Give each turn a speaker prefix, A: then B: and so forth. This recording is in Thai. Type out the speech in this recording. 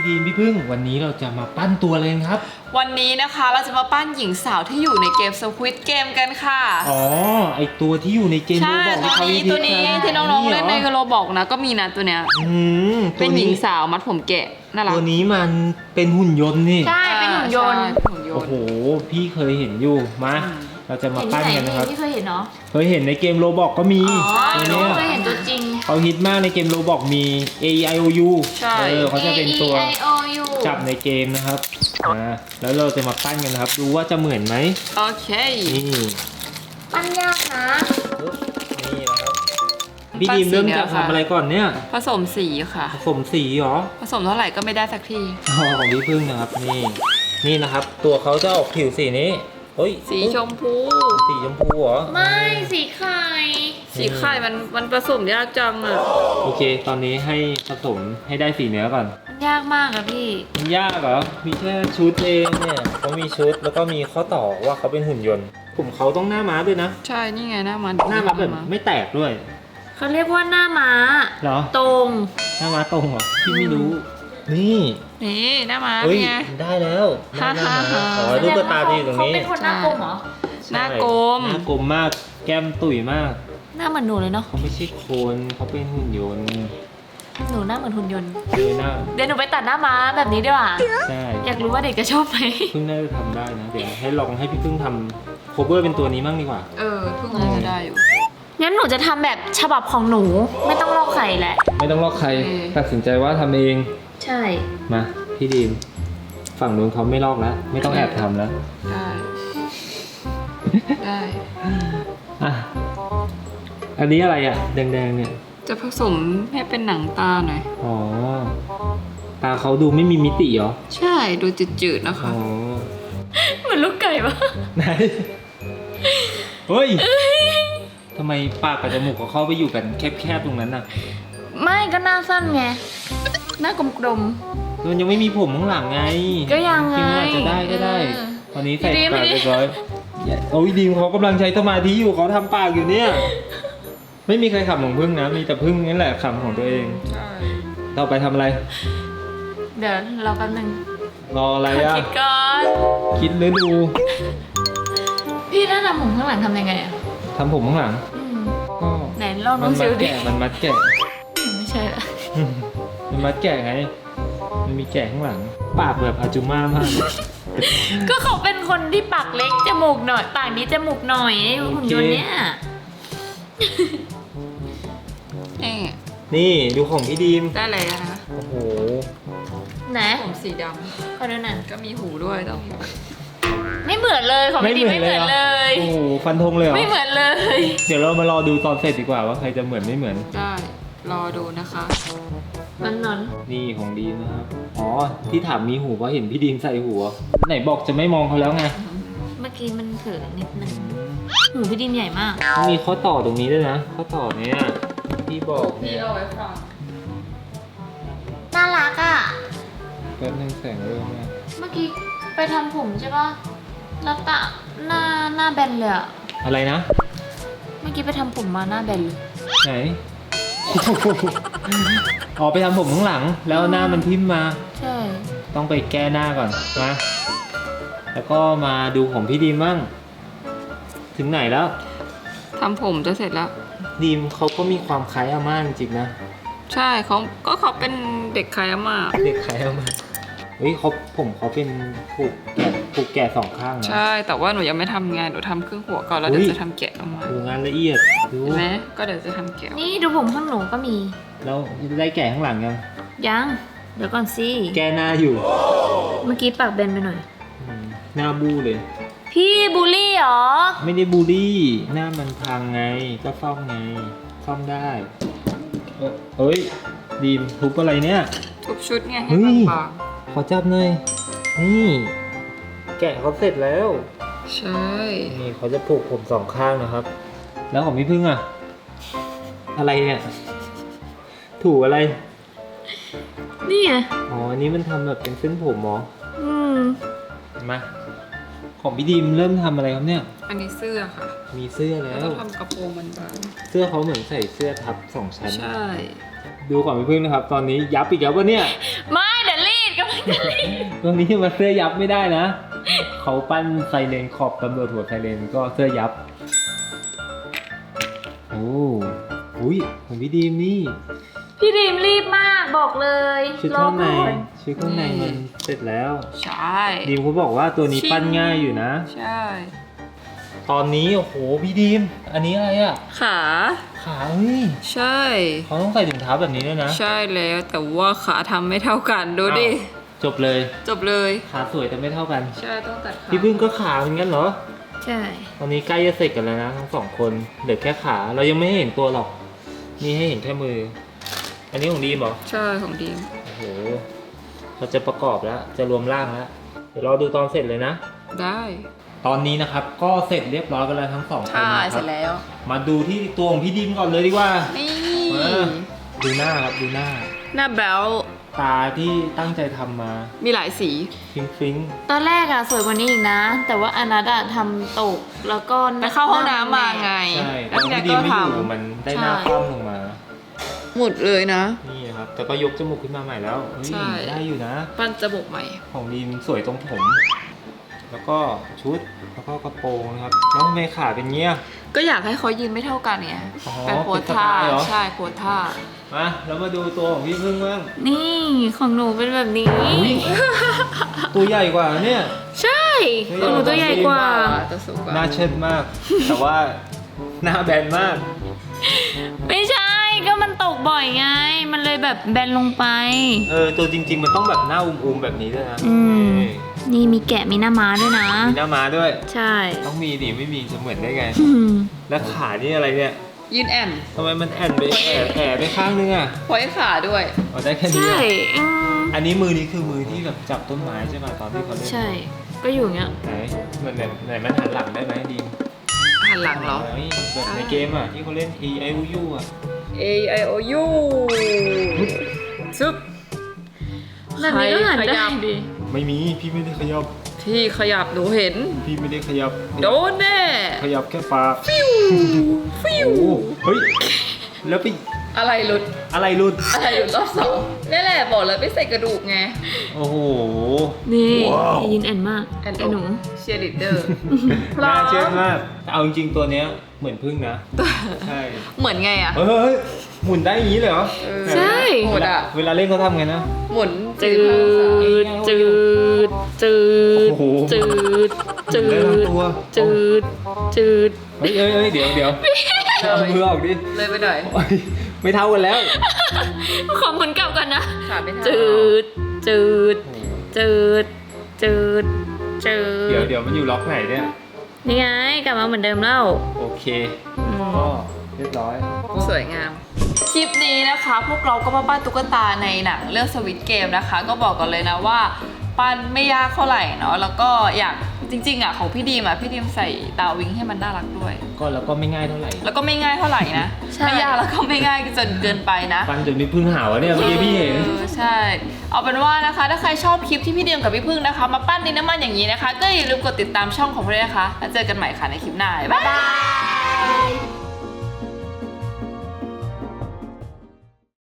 A: พี่ดีมพี่พึ่งวันนี้เราจะมาปั้นตัวเลยครับ
B: วันนี้นะคะเราจะมาปั้นหญิงสาวที่อยู่ในเกม Squid Game กันค่ะ
A: อ๋อไอตัวที่อยู่ในเกมโรบอก
B: ตัวนี้ที่น้องๆเล่นในโรบอกนะก็มีนะตัวเนี้ยเป็นหญิงสาวมัดผมแกะน่ารัก
A: ตัวนี้มันเป็นหุ่นยนต์นี่
B: ใช่เป็นหุ่นยนต์
A: โอ้โหพี่เคยเห็นอยู่มาเราจะมาปั้นกันนะครับ
B: ที่เคยเห็นเนาะ
A: เคยเห็นในเกมโรบอกก็มี
B: ตัวนี้เคยเห็นตัวจริง
A: เขาฮิตมากในเกมโรบอกมี A E I O U
B: ใช่
A: เขาจะเป็นตัวจับในเกมนะครับแล้วเราจะมาปั้นกันนะครับดูว่าจะเหมือนไหม
B: โอเค
A: นี่
B: ปั้นยากนะ
A: นี่นะครับพี่ดีมเริ่มจากทำอะไรก่อนเนี่ย
B: ผสมสีค่ะ
A: ผสมสีเหรอ
B: ผสมเท่าไหร่ก็ไม่ได้สักที
A: ของพี่พึ่งนะครับนี่นะครับตัวเขาจะออกผิวสีนี้
B: สีชมพู
A: เหรอ
B: ไม่สีไข่มันผสมยากจังอ่ะ
A: โอเคตอนนี้ให้ผสมให้ได้สีเนื้อก่อน
B: มันยากมากอะพี่
A: มันยากเหรอมีแค่ชุดเองเนี่ยเขามีชุดแล้วก็มีข้อต่อว่าเขาเป็นหุ่นยนต์ผมเขาต้องหน้าม้าด้วยนะ
B: ใช่นี่ไงหน้าม้า
A: แบบไม่แตกด้วย
B: เขาเรียกว่าหน้าม้า
A: เหรอ
B: ตรง
A: หน้าม้าตรงเหรอพี่ไม่รู้นี่
B: หน้าม้า
A: ไงได้แล้วหน้าม้ารูปตาจะอยู่ตรงนี้
B: เขาเป็นคนหน้ากลมเหรอหน้ากล
A: มมากแก้มตุ๋ยมาก
B: หน้าเหมือนหนูเลยเนาะ
A: เขาไม่ใช่คนเขาเป็นหุ่นยนต์
B: หนูหน้าเหมือนหุ่นยนต์
A: เ
B: ดี๋ยวหนูไปตัดหน้าม้าแบบนี้ดีกว่า
A: ใช่
B: อยากรู้ว่าเด็กจะชอบไหม
A: พึ่งน่าจะทำได้นะเดี๋ยวให้ลองให้พี่พึ่งทำโคเวอร์เป็นตัวนี้มั่งดีกว่า
B: พึ่งน่าจะได้อยู่งั้นหนูจะทำแบบฉบับของหนูไม่ต้องลอกใครแหละ
A: ไม่ต้องลอกใครตัดสินใจว่าทำเอง
B: ใช่
A: มาพี่ดีมฝั่งนู้นเขาไม่ลอกแล้วไม่ต้องแอบทำแล้ว
B: ได้
A: อ่ะอันนี้อะไรอ่ะแดงๆเนี่ย
B: จะผสมให้เป็นหนังตาหน่อย
A: อ๋อตาเขาดูไม่มีมิติเหรอ
B: ใช่ดูจืดๆนะคะเหมือนลูกไก่ปะ
A: ไหนเฮ้ยทำไมปากกับจมูกเขาเข้าไปอยู่กันแคบๆตรงนั้นน่ะ
B: ไม่ก็หน้าสั้นไงหน้ากลม
A: ๆมันยังไม่มีผมข้างหลังไง
B: ก็ยังไง
A: อาจจะได้ก็ได้ตอนนี้ใส่ปากเรียบร้อยโอ้ยดีมเขากำลังใช้สมาธิอยู่เขาทำปากอยู่เนี่ยไม่มีใครขำของพึ่งนะมีแต่พึ่งนี่แหละขำของตัวเองต่อไปทำอะไร
B: เดี๋ยวรอแป๊บนึง
A: รออะไรอ่ะ
B: คิดก่อน
A: คิดหรือดู
B: พี่ถ้าทำผมข้างหลังทำยังไงอะ
A: ทำผมข้างหลัง
B: ก็ไหนลองดูสิ
A: มันมัดแกะ
B: ไม่ใช่ละ
A: มันมัดแกะไงมันมีแกะข้างหลังปากแบบอาจุม่ามาก
B: ก็เขาเป็นคนที่ปากเล็กจมูกหน่อยปากนี้จมูกหน่อยหุ่นยนต์เนี่ย
A: นี่ดูของพี่ดีม
B: ได้เลยนะคะ
A: โอ้โห
B: ไหน
A: ผม
B: สีดำเขาด้วยนั่นก็มีหูด้วยต้องไม่
A: เ
B: หมือนเลยของพี่ดีมไม่เหมือนเลย
A: โอ้โหฟันธงเลยเหรอ
B: ไม่เหมือนเลย
A: เดี๋ยวเรามารอดูตอนเสร็จดีกว่าว่าใครจะเหมือนไม่เหมือน
B: ได้รอดูนะคะน
A: นี่ของดีมนะครับอ๋อที่ถามมีหูเพราะเห็นพี่ดีมใส่หูไหนบอกจะไม่มองเขาแล้วไง
B: เมื่อกี้มันเผลอนิดนึงหูพี่ดีมใหญ่มาก
A: มีข้อต่อตรงนี้ด้วยนะข้อต่อเนี้ยพี่บอกเนี่ย
B: เอาไว้ฟังน่ารักอ่ะ
A: แป๊บนึงแสงเริ่มแล้ว
B: เมื่อกี้ไปทำผมใช่ป่ะแล้วตาหน้าแบนเลยอะ
A: อะไรนะ
B: เมื่อกี้ไปทำผมมาหน้าแบนเลย
A: ไหนอ๋อไปทำผมข้างหลังแล้วหน้ามันทิ่มมา
B: ใช่
A: ต้องไปแก้หน้าก่อนนะแล้วก็มาดูของพี่ดีมบ้างถึงไหนแล้ว
B: ทำผมจะเสร็จแล้ว
A: ดีมเขาก็มีความคล้ายอาม่าจริงๆนะ
B: ใช่เขาเป็นเด็กคล้ายอาม่า
A: เด็กคล้ายอาม่าเฮ้ยเขาเป็นผูกแกะสองข้างนะ
B: ใช่แต่ว่าหนูยังไม่ทำงานหนูทำครึ่งหัวก่อนแล้วเดี๋ยวจะทำแกะออกมา
A: ดูงานละเอียด
B: ดูไหมก็เดี๋ยวจะทำแกะนี่ดูผมข้างหนูก็มี
A: แล้วได้แกะข้างหลัง
B: ยังเดี๋ยวก่อนสิ
A: แกหน้าอยู่
B: เมื่อกี้ปากเบนไปหน่อย
A: หน้าบูเลย
B: พี่บูลลี่เหรอ
A: ไม่ได้บูลลี่หน้ามันพังไงก็ซ่อมไงซ่อมได้เฮ้ยดีมทุบอะไรเนี่ย
B: ทุบชุดไงให้บาง
A: ขอจับหน่อยนี่แกะเขาเสร็จแล้ว
B: ใช่
A: นี่เขาจะผูกผมสองข้างนะครับแล้วของพี่พึ่งอะอะไรเนี่ยถูอะไร
B: นี่ไง
A: อ๋ออันนี้มันทำแบบเป็นเส้นผมหรอมาของพี่ดีมเริ่มทำอะไรครับเนี่ย
B: อันนี้เสื้อค่ะ
A: มีเสื้อแล้ว
B: ทำกระโปรงมันบาง
A: เสื้อเขาเหมือนใส่เสื้อทับ2 ชั้น
B: ใช่
A: ดูของพี่พึ่งนะครับตอนนี้ยับอีกแล้ววะเนี่ย
B: ไม่เดี๋ยวรีด
A: ตรงนี้มาเสื้อยับไม่ได้นะเขาปั้นไซเรนขอบตำรวจหัวไซเรนก็เสื้อยับโอ้อุ้ยของพี่ดีมนี่
C: พี่ดีมรีบมากบอกเลย
A: ชุดข้างในชุดข้างในมันเสร็จแล้ว
B: ใช่
A: ดีมเขาบอกว่าตัวนี้ปั้นง่ายอยู่นะ
B: ใช่
A: ตอนนี้โอ้โหพี่ดีมอันนี้อะไรอ่ะ
B: ขา
A: ขาเฮ้ย
B: ใช่
A: เขาต้องใส่ถุงเท้าแบบนี้ด้วยนะ
B: ใช่แล้วแต่ว่าขาทำไม่เท่ากันดูดิ
A: อ้าวจบเลย
B: จบเลย
A: ขาสวยแต่ไม่เท่ากัน
B: ใช่ต้องตัดขา
A: พี่พึ่งก็ขาเหมือนกันเหรอ
C: ใช่
A: ตอนนี้ใกล้จะเสร็จกันแล้วนะทั้งสองคนเหลือแค่ขาเรายังไม่เห็นตัวหรอกนี่ให้เห็นแค่มือ อันนี้ของดีมเหรอ
B: ใช่ของดีม
A: โอ้โหเราจะประกอบแล้วจะรวมร่างแล้วเดี๋ยวรอดูตอนเสร็จเลยนะ
B: ได้
A: ตอนนี้นะครับก็เสร็จเรียบร้อยกันแล้วทั้งสองคน
B: ใช่
A: นะค
B: เส
A: รั
B: ร็
A: บ
B: จแล้ว
A: มาดูที่ตัวของพี่ดีมก่อนเลยดีกว่า
B: นี่
A: มาดูหน้าครับดูหน้า
B: หน้าแบล
A: ตาที่ตั้งใจทำมา
B: มีหลายสี
A: ฟิงฟิง
C: ตอนแรกอะสวยกว่านี้อีกนะ แต่ว่าอนัทอะทำตกแล้วก็
B: ไปเข้าห้องน้ำมาไง
A: ใช่ต
B: แล้
A: อ
B: วน แก
A: พี่ดี
B: ก็
A: มไม่
B: ท
A: อยู่มันได้หน้าคว่ำลงมา
B: ำหมดเลยนะ
A: นี่นะครับแต่ก็ยกจมูกขึ้นมาใหม่แล้วเฮ้ย
B: ใช่
A: ได้อยู่นะ
B: ปั้นจมูกใหม่
A: ของดีมสวยตรงผม แล้วก็ชุดแล้วก็กระโปรงนะครับแล้วทำไมขาเป็นเงี้ย
B: ก็อยากให้เขายืนไม่เท่ากันไง
A: อ๋อ
B: เป็นโพสท่า
A: เป็นสไตล์เหรอ
B: ใช่โพสท่า
A: มาแล้วมาดูตัวของพี่พึ่งบ้าง
C: นี่ของหนูเป็นแบบนี้
A: อุ๊ย ตัวใหญ่กว่าเนี่ย
C: ใช่ของหนูตัวใหญ่กว่า
B: ตัวสูงกว่า
A: หน้าเชิดมาก แต่ว่าหน้าแบนมาก
C: ไม่ใช่ก็มันตกบ่อยไง มันเลยแบบแบนลงไป
A: ตัวจริง ๆ มันต้องแบบหน้าอุ้มๆแบบนี้ด้วยนะ
C: อืม
A: นี่
C: นี่มีแกะมีหน้าม้าด้วยนะ
A: มีหน้าม้าด้วย
C: ใช่
A: ต้องมีดิไม่มีจะเหมือนได้ไง
C: อืม
A: แล้วขานี่อะไรเนี่ย
B: ยืนแอน
A: ทำไมมันแอนไปแอบไปข้างนึงอ่ะ
B: ไว้ขาด้วย
A: เอาได้แค่นี้
C: ใช่
A: อะ
C: อืม
A: อันนี้มือนี้คือมือที่แบบจับต้นไม้ใช่ไหมตอนที่เขาเล่น
C: ใช่ ก็อยู่อย่างเงี้ย
A: ไหนมันไหนมันหันหลังได้ไหมดีม
B: หันหลังเหรอ
A: ฮ้ยแบบในเกมอ่ะที่เขาเล่น E I O U อ่ะ
B: A I O U ซึบ
C: แบบนี้ก็หัน
B: ข
C: ได้
B: ยับดิ
A: ไม่มีพี่ไม่ได้ขยับ
B: ที่ขยับหนูเห็น
A: พี่ไม่ได้ขยับ
B: โดนแน่
A: ขยับแค่ปาก
B: ฟิวฟิว
A: โอ้เฮ้ยแล้วไป
B: อะไรหลุด
A: อะไรหลุด
B: อะไรหลุดรอบสองนี่แหละบอกเลยไม่ใส่กระดูกไง
A: โอ้โห
C: นี่
A: ว้าว
C: ยินแอนมาก
B: แอน
C: ไอ้หนู
B: เชียร์ลีดเดอร์
A: น่าเชื่อมากแต่เอาจริงๆตัวเนี้ยเหมือนพึ่งนะ ใช่
B: เหมือนไงอะ
A: เฮ้ยหมุนได้อย่างนี้เลยเหรอ
C: ใช่
B: หมดอะ
A: เวลาเล่นเขาทำไงนะ
B: หมุน
C: จืด จืด จืด
A: โอ้โห
C: จืด จื
A: ได้
C: ด
A: ทั้งตัว
C: จืด จืด
A: เฮ้ยเดี๋ยวเอามือออกดิ
B: เลยไปหน่อย
A: โอ๊ยไม่เท่ากันแล้ว
C: ขอหมุนกลับกันนะ
B: ขาไม่เท่า
C: จืด จืด จืด จืด จืด
A: เดี๋ยวมันอยู่ล็อกไหนเนี่ย
C: นี่ไง กลับมาเหมือนเดิมแล้ว
A: โอเค
C: อืม
A: ก็เรียบร้อย
B: สวยงาม คลิปนี้นะคะ พวกเราก็มาปั้นตุ๊กตาในหนังเรื่องสวิตเกมนะคะ ก็บอกกันเลยนะว่าปั้นไม่ยากเท่าไหร่เนาะแล้วก็อยากจริงๆอ่ะของพี่ดีมอ่ะพี่ดีมใส่ตาวิงให้มันน่ารักด้วย
A: ก็แล้วก็ไม่ง่ายเท่าไหร่
B: แล้วก็ไม่ง่ายเท่าไหร่นะ
C: ใช่
B: ไม่ยากแล้วก็ไม่ง่ายจนเกินไปนะ
A: ฟันจนมีพึ่งหาวะเนี่ยเมื่อกี้พี่เห็น
B: ใช่ เอาเป็นว่านะคะ ถ้าใครชอบคลิปที่พี่ดีมกับพี่พึ่งนะคะ มาปั้นดินน้ำมันอย่างนี้นะคะ ก็อย่าลืมกดติดตามช่องของพวกเราด้วยนะคะแล้วเจอกันใหม่ค่ะในคลิปหน้าบ๊ายบาย